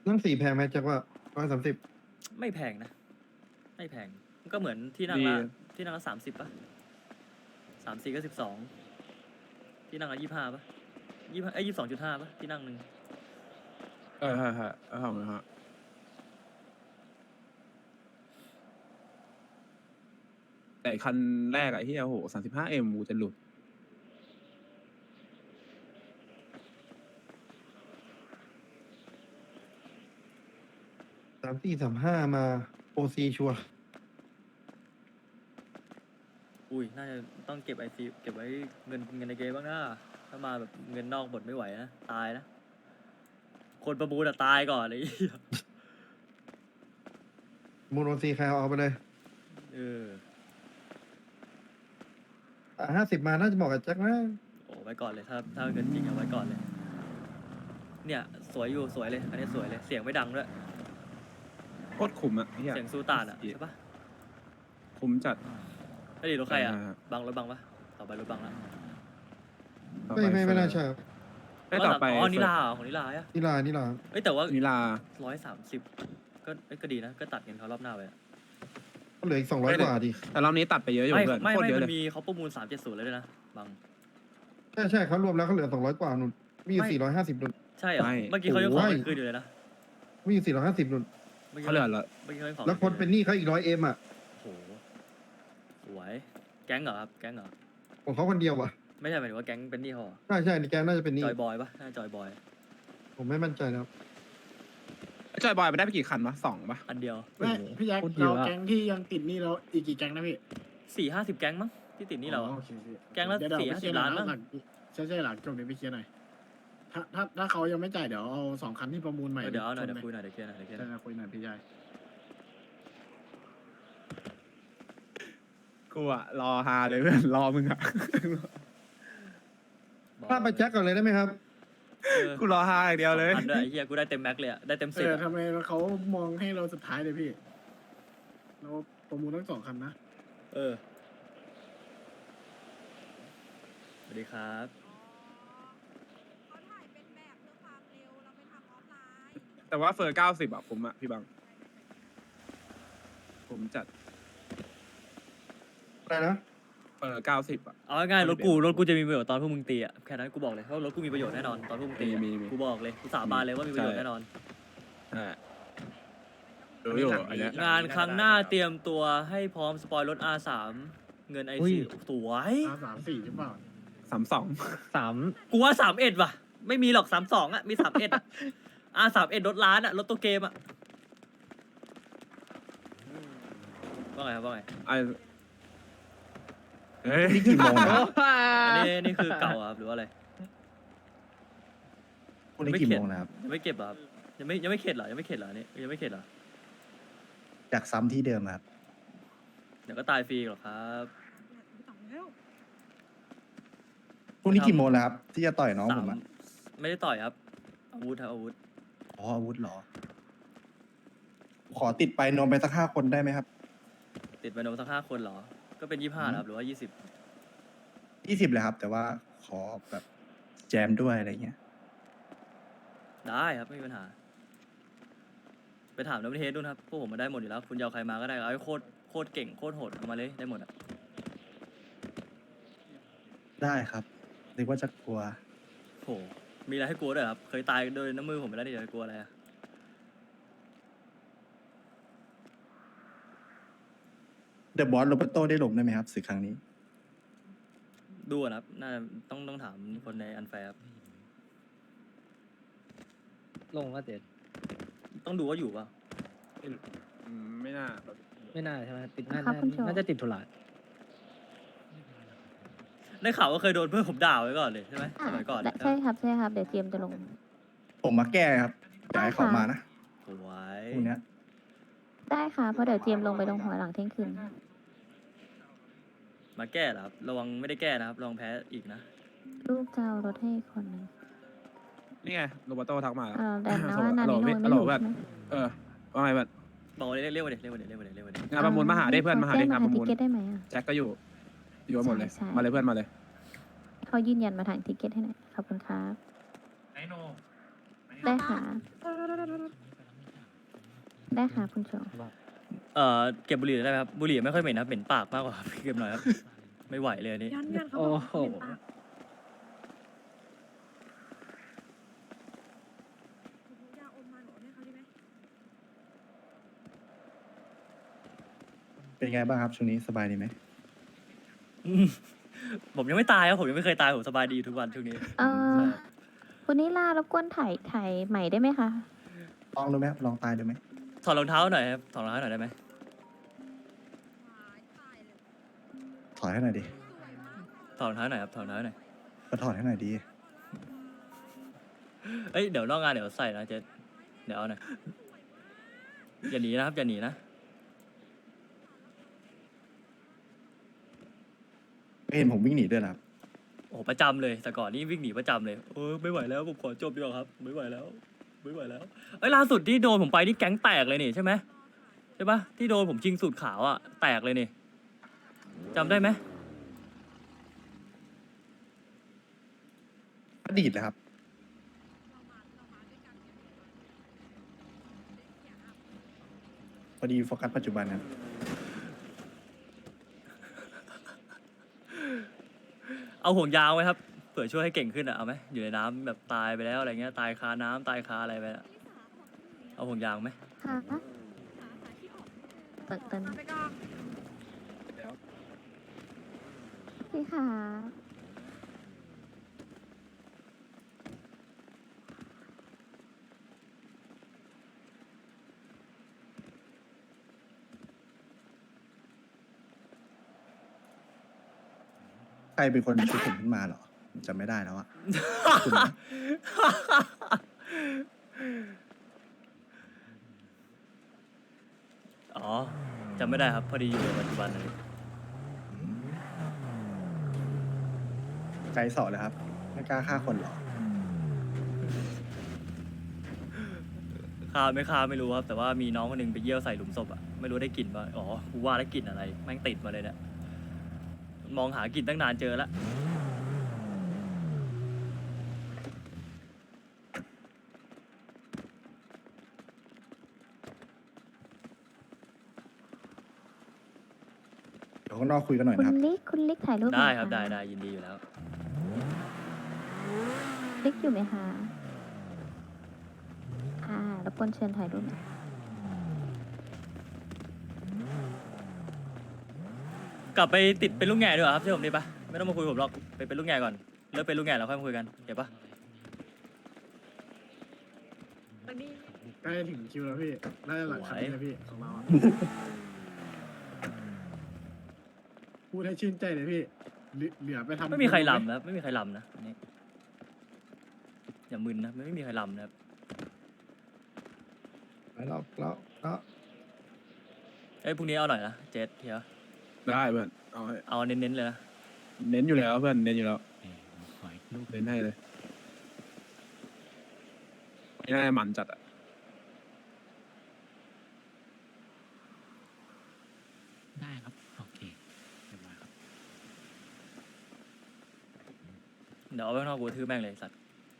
นั่ง4แพงไหมจักว่า130 ไม่แพงนะ ไม่แพงมันก็เหมือนที่นั่งดีละที่นั่งละ30ป่ะ34ก็12ที่นั่งละ25ป่ะ22.5ป่ะที่นั่งหนึ่งใช่ทำนะฮะแต่คันแรกอะที่โอ้โห35M กูจะหลุด 3435มาโอซีชัวร์อุ้ยน่าจะต้องเก็บICเก็บไว้เงินในเกมบ้างนะถ้ามาแบบเงินนอกหมดไม่ไหวนะตายนะคนประมูลอะตายก่อนเลยมูลโอซีใครเอาไปเลยเออ 50มาน่าจะเหมาะกับแจ็คนะโอ้ไว้ก่อนเลยถ้าเงินจริงเอาไว้ก่อนเลย เนี่ยสวยอยู่สวยเลยอันนี้สวยเลยเสียงไม่ดังด้วยโคตรขุมอะเฮียเสียงซูตานอะใช่ปะขุมจัดไอ้ดิรถใครอะอ่าบังรถบังปะต่อไปรถบังละต่อไม่ปไม่น่าใช่เฟิร์ครับได้ต่อไปอ๋อนิลาเหรอของนิลาอะนิลาเอ้ยแต่ว่านิลา 130ก็เอ้ยก็ดีนะก็ตัดเงินเขารอบหน้าไปอะก็เหลืออีก200กว่าดิแต่รอบนี้ตัดไปเยอะอยู่ไม่เพื่อนไม่โคตรไม่เยอะมัเลนยมีเขาประมูล370เลยด้วยนะบังใช่เขารวมแล้วเขาเหลือ200กว่านุ่นมีอยู่ไม่ 450นุ่นใช่เหรอไม่เมื่อกี้เขายังขอโอ้ยเงินคืนอยู่เลยนะมีอยู่450นุ่นมื่กี้เขาเหลือละเมื่อกี้เขายังขอแล้วคนเป็นหนี้เขาอีก100Mอ่ะโอ้โหสวยแก๊งเหรอครับแก๊งเหรอของเขาคนเดียวอ่ะไม่ใช่หมายถึงว่าแก๊งเป็นหนี้เขาเหรอใช่ในแกน่าจะเป็นหนี้จอยบอยปะน่าจอยบอยผมไม่มั่นใจนะครับจอยบอยไปได้ไปกี่คันวะ2ปะอันเดียวไม่พี่แจ็คเราแก๊งที่ยังติดหนี่เราอีกกี่แก๊งนะพี่ 50 แก๊งมั้งที่ติดหนี้เราอะโอเคพี่แก๊งละเดี๋ยว 4-50 ไปเคลียร์หล้านหมั้งหลังใช่หลังจบเดี๋ยวไปเคลียร์หน่อยถ้าเขายังไม่จ่ายเดี๋ยวเอา2 คันที่ประมูลใหม่เดี๋ยวเอาหน่อยชเดี๋ยวไหมคุยหน่อยเดี๋ยวเคลียร์หน่อยเดี๋ยวเคลียร์หใช่น่อยคุยหน่อยพี่ชายกูอะรอฮาเลยเพื่อนรอมึงอะถ้าไปแจ็คก่อนเลยได้ไหมครับกูรอฮาอย่างเดียวเลย 2,000ด้วยไอ้เหี้ยกูได้เต็มแม็กเลยอะได้เต็ม10อะทำไมเขามองให้เราสุดท้ายเลยพี่เราประมูลทั้ง2 คันนะเออสวัสดีครับเขาถ่ายเป็นแบบเพื่อความเร็ว เราไปทำออฟไลน์แต่ว่าเฟอร์90อะผมอะพี่บัง ผมจัดอะไรนะเฟอร์90อะเอาง่ายๆรถกูจะมีประโยชน์ตอนพวกมึงตีอะแค่นั้นกูบอกเลยเพราะรถกูมีประโยชน์แน่นอนตอนพวกมึงตีอะมีกูบอกเลยกูสาบานเลยว่ามีประโยชน์แน่นอนรู้อยู่อันเนี้ยงานครั้งหน้าเตรียมตัวให้พร้อมสปอยรถ R3 เงิน IC สวย 3-4หรือเปล่า 32 กูว่า31ว่ะ ไม่มีหรอก32อ่ะมี31อ่ะ R31รถล้านอ่ะรถตัวเกมอ่ะว่าไงครับว่าไงไอเฮ้ยนี่กี่โมงนะอันนี้นี่คือเก่าอะครับหรือว่าอะไรวันนี้กี่โมงนะครับยังไม่เก็บเหรอครับยังไม่เข็ดเหรอยังไม่เข็ดเหรออันนี่ยังไม่เข็ดเหรอจากซ้ำที่เดิมครับเดี๋ยวก็ตายฟรีหรอกครับพรุ่งนี้กี่โมงแล้วครับ ที่จะต่อยน้องผมอ่ะไม่ได้ต่อยครับอาวุธครับอาวุธอ๋ออาวุธเหรอ ขอติดไปนมไปสัก5 คนได้ไหมครับติดไปโดนสัก5 คนเหรอ ก็เป็น25ครับหรือว่า20 20เลยครับ แต่ว่าขอแบบแจมด้วยอะไรเงี้ยได้ครับไม่มีปัญหา ไปถามดับเบิลเฮดดูนะครับพวกผมมาได้หมดอยู่แล้ว คุณจะเอาใครมาก็ได้เอาให้โคตรเก่งโคตรโหดเอามาเลยได้หมดอ่ะได้ครับนึกว่าจะกลัวโหมีอะไรให้กลัวด้วยเหรอครับเคยตายโดยน้ำมือผมไปแล้วนี่จะกลัวอะไรอะเดอะบอสโรเบโตได้ลงได้ไหมครับศึกครั้งนี้ดูอะนะครับน่าต้องถามคนในอันแฟร์ครับลงก็เด็ดต้องดูว่าอยู่เปล่าไม่น่าไม่น่าใช่ไหมติดครับคุณโจน่าจะติดธุระได้ข่าวว่าเคยโดนเพื่อนผมด่าไว้ก่อนเลยใช่ไหมสมัยก่อนใช่ครับใช่ครับ เดี๋ยวเตรียมจะลงผมมาแก้ครับอยากให้เขามานะสวยพรุ่งเนี้ยได้ค่ะ เพราะเดี๋ยวเตรียมลงไปลงหัวหลังเที่ยงคืนมาแก้เหรอครับระวังไม่ได้แก้นะครับระวังแพ้อีกนะลูกจะเอารถให้อีกคนหนึงนี่ไงโรเบโตทักมาแล้วแต่นะว่านานิโนไม่ฮัลโหลอยู่เพื่อนใช่ไหมว่าไงเพื่อนบอกเลยเรียกมาเดี๋ยวเรียกมาเดี๋ยวเรียกมาเดี๋ยวเรียกมาเดี๋ยวงานประมูลมาหาได้เพื่อนมาหาได้งานประมูลทิเก็ตได้ไหมอ่ะแจ็คก็อยู่กันหมดเลยใช่มาเลยเพื่อนมาเลยเขายืนยันมาทางทิเก็ตให้หน่อยขอบคุณครับไอโนได้ค่ะได้ค่ะคุณโจเก็บบุหรี่ได้ไหมครับบุหรี่ไม่ค่อยเหม็นครับเหม็นปากมากกว่าครับเก็บหน่อยครับ ไม่ไหวเลยอันนี้ยันเขาบอกว่าเป็นปากยาอมมาหนูให้เขาดีไหมเป็นไงบ้างครับช่วงนี้สบายดีไหมอืมผมยังไม่ตายครับผมยังไม่เคยตายผมสบายดีอยู่ทุกวันช่วงนี้คุณนิลารบกวนถ่ายใหม่ได้ไหมคะลองดูไหมครับลองตายดูไหมถอดรองเท้าหน่อยครับถอดรองเท้าหน่อยได้ไหมถอดให้หน่อยดิถอดรองเท้าหน่อยครับถอดรองเท้าหน่อยก็ถอดให้หน่อยดีเอ้ยเดี๋ยวนอกงานเดี๋ยวใส่นะเจ๊เดี๋ยวเอาหน่อยอย่าหนีนะครับอย่าหนีนะไม่เห็นผมวิ่งหนีด้วยนะครับโอ้โหประจำเลยแต่ก่อนนี่วิ่งหนีประจำเลยไม่ไหวแล้วผมขอจบดีกว่าครับไม่ไหวแล้วไม่ไหวแล้วเอ้ยล่าสุดที่โดนผมไปนี่แก๊งแตกเลยนี่ใช่ไหมใช่ปะที่โดนผมชิงสูตรขาวอ่ะแตกเลยนี่จำได้ไหมอดีตเลยครับ พอดีโฟกัสปัจจุบันครับเอาห่วงยางไว้ครับเผื่อช่วยให้เก่งขึ้นอ่ะเอาไหมอยู่ในน้ำแบบตายไปแล้วอะไรเงี้ยตายคาน้ำตายคาอะไรไปอะเอาห่วงยางไหมค่ะเตินมาไปก่อนพี่ค่ะใครเป็นคนชุดผมขึ้นมาเหรอผมจำไม่ได้แล้วอะ คุณนะอ๋อจำไม่ได้ครับพอดีอยู่ในปัจจุบันเลยใจสอเลยครับ ไม่กล้าฆ่าคนเหรอฆ่าไม่ฆ่าไม่รู้ครับแต่ว่ามีน้องคนหนึงไปเยี่ยวใส่หลุมศพอ่ะไม่รู้ได้กลิ่นป่ะอ๋อกูว่าได้กลิ่นอะไรแม่งติดมาเลยเนี่ยมองหากลิ่นตั้งนานเจอแล้วเดี๋ยวข้างนอกคุยกันหน่อยคุณนะครับลิกถ่ายรูปหน่ได้อยครับะได้ยินดีอยู่แล้วลิกอยู่ไหมคะรบกวนเชิญถ่ายรูปหน่อยกลับไปติดเป็นลูกแง่ดีกว่าครับเชื่อผมดีปะไม่ต้องมาคุยผมหรอกไปเป็นลูกแง่ก่อนเลิกเป็นลูกแง่แล้วค่อยมาคุยกันเก็บปะใกล้ถึงคิวแล้วพี่ได้หลังคันนี้นะพี่ของเราอะพูดให้ชื่นใจเลยพี่เหลือไปทำไม่มีใครลำนะครับไม่มีใครลำนะอันนี้อย่ามึนนะไม่มีใครลำนะครับแล้วเอ้ยพรุ่งนี้เอาหน่อยนะเจสเฮียได้เพื่อนเอาให้เอาเน้นๆเลยนะเน้นอยู่แล้วเพื่อนเน้นอยู่แล้วเน้นให้เลยไม่น่ามันจัดอะได้ครับ โอเคเรียบร้อยครับเดี๋ยวเอาไปข้างนอกกูทื่อแม่งเลยสัตว์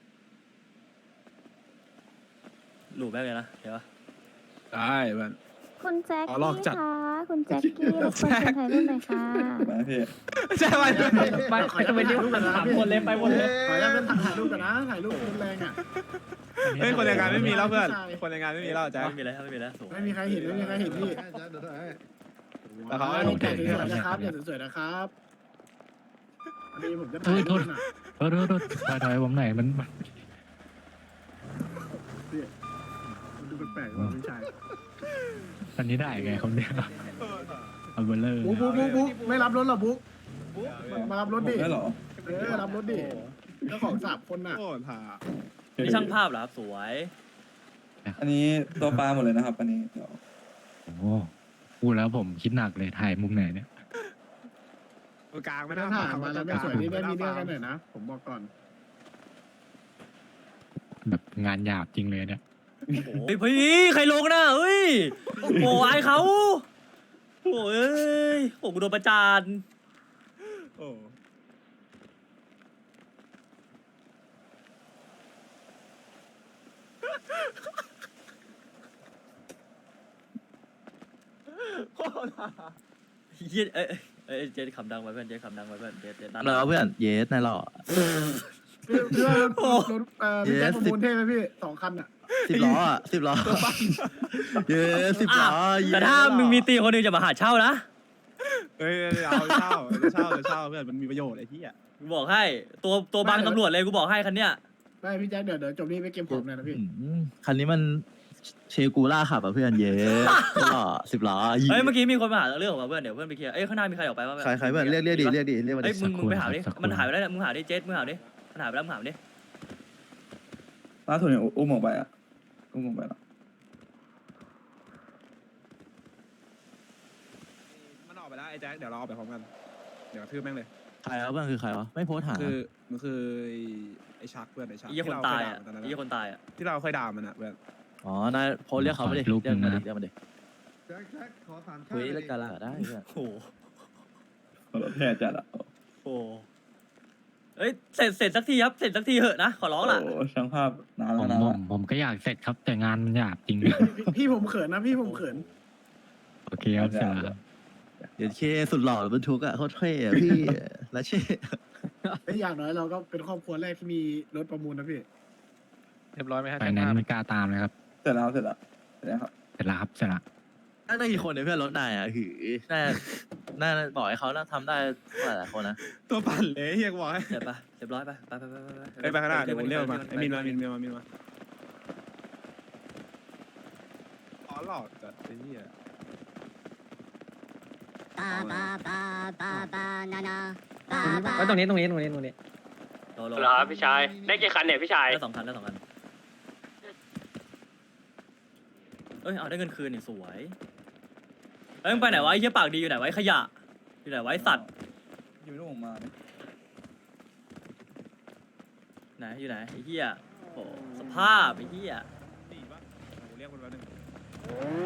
หลูบแม่งเลยนะเดี๋ยวได้เพื่อนคุณแจ็คอ๋อลอกกี้จัดคะคุณแจ็คกี้รบกวนเชิญถ่ายรูปหน่อยค่ะมาพี่ใช่ไหมไม่ขอจะไปถ่ายรูปกันนะถามคนเลยไปหมดเลยขอจะเป็นถ่ายรูปกันนะถ่ายรูปรุนแรงอ่ะเฮ้ยคนแรงงานไม่มีแล้วเพื่อนคนแรงงานไม่มีแล้วจ้ะไม่มีแล้วไม่มีแล้วโถ่ไม่มีใครเห็นพี่แต่เขาลงถ่ายสวยๆนะครับอย่าสวยๆนะครับอันนี้ผมจะถ่ายรูปนะโทษถอยผมหน่อยมันพี่มันดูแปลกๆว่ะพี่ชายอันนี้ได้ไงเขาเนี่ยเอาเบลเลอร์บุ๊กไม่รับรถหรอบุ๊กมารับรถดิได้เหรอรับรถดิเจ้าของ3 คนน่ะโอ้ถ่านี่ช่างภาพเหรอครับสวยอันนี้ตัวปลาหมดเลยนะครับ อันนี้เดี๋ยวโอ้โหพูดแล้วผมคิดหนักเลยถ่ายมุมไหนเนี่ยกลางไม่ไม่ได้ถ้าถ่ายมาแล้วไม่สวยนี่ได้มีเรื่องกันหน่อยนะผมบอกก่อนแบบงานหยาบจริงเลยเนี่ยเฮ้ยพี่ใครลงนะเฮ้ยโอ้โหอายเขาโอ้ยโอ้กูโดนประจานโอ้เหี้ยเจ๊ขำดังไว้เพื่อนเจ๊ขำดังไว้เพื่อนเจ๊ดันแล้วเพื่อนเยสนายหล่อพี่ว่ารถพี่แจ็คประมูลเท่ไหมพี่2 คันอ่ะ 10 ล้ออ่ะ10 ล้อเยส10 ล้อเยสแต่ถ้ามึงมีตีคนหนึงจะมาหาเช่านะเอ้ยเอาเช่าเช่าเพื่อนมันมีประโยชน์ไอ้ที่อ่ะกูบอกให้ตัวบังตำรวจเลยกูบอกให้คันเนี้ยไม่พี่แจ็คเดี๋ยวจบนี่ไปเกมผมเลยนะพี่คันนี้มันเชกูล่าขับอ่ะเพื่อนเยสหล่อ10 ล้อเอ้ยเมื่อกี้มีคนมาหาเรื่องของเพื่อนเดี๋ยวเพื่อนไปเคลียร์เอ้ยข้างหน้ามีใครออกไปบ้างใครเพื่อนเรียกดิเรียกมาเอ้ดิยมึงไปหาดิมันหายไปแล้วเนี่ยมึงหาดิเจ๊มึงหาดิมันหายไปแล้วมึงหาดิล่าสุดเนี่ยอุ้มออกไปอ่ะอุ้มออกไปแล้วมันออกไปแล้วไอ้แจ็คเดี๋ยวเราออกไปพร้อมกันเดี๋ยวกระทืบแม่งเลยใครวะเพื่อนคือใครวะไม่โพสต์หามันคือไอ้ชักเพื่อนไอ้ชักไอ้คนตายอ่ะที่เราเคด่มันตอนนั้นไอ้คนตายอ่ะที่เราเคยด่ามันอ่ะเพื่อนอ๋อนายโพสต์เรียกเขามาดิเรียกมาดิเรียกมาดิแจ็คขอถามคุยเรื่องการละได้เพื่อนโอ้โหรถแห่จัดอ่ะโอ้เอ้ยเสร็จสักทีครับเสร็จสักทีเหอะนะขอร้องล่ะโอ้ช่างภาพนานผแล้วมนะผมก็อยากเสร็จครับแต่งานมันหยาบจริงพี่ผมเขินนะพี่ผมเขินโอเคครับเสร็จแล้วครับเดี๋ยวเคสุดหล่อบรรทุกอ่ะโคตรเท่อะพี่และเช่ไม่อย่างน้อยเราก็เป็นครอบครัวแรกที่มีรถประมูลนะพี่เรียบร้อยไหมฮะไฟแนนซ์ไม่กล้าตามเลยครับเสร็จแล้วเสร็จแล้วครับเสร็จแล้วครับเสร็จแล้วน่ากี่คนเนี่ยเพื่อนรถนายอ่ะหือน่าบอกให้เขาน่าทำได้หลายคนนะตัวปั่นเลยเฮียกูบอกให้เสร็จปะเรียบร้อยไปไปข้างหน้าเดี๋ยวผมเรียกมาไอ้มินมาอ๋อหลอกจัดไอ้เหี้ยไว้ตรงนี้โลเหรอพี่ชายได้กี่คันเนี่ยพี่ชายได้2 คันเอ้ยเอาได้เงินคืนนี่สวยเอ้ยมึงไปไหนวะไอ้เหี้ยปากดีอยู่ไหนไวะไอ้ขยะอยู่ไหนไวะไอ้สัตว์อยู่ไม่รู้ผมมาเนี่ยไหนอยู่ไหนไอ้เหี้ยโอ้สภาพไอ้เหี้ยหนีปะโอ้เรียกคนแป๊บนึง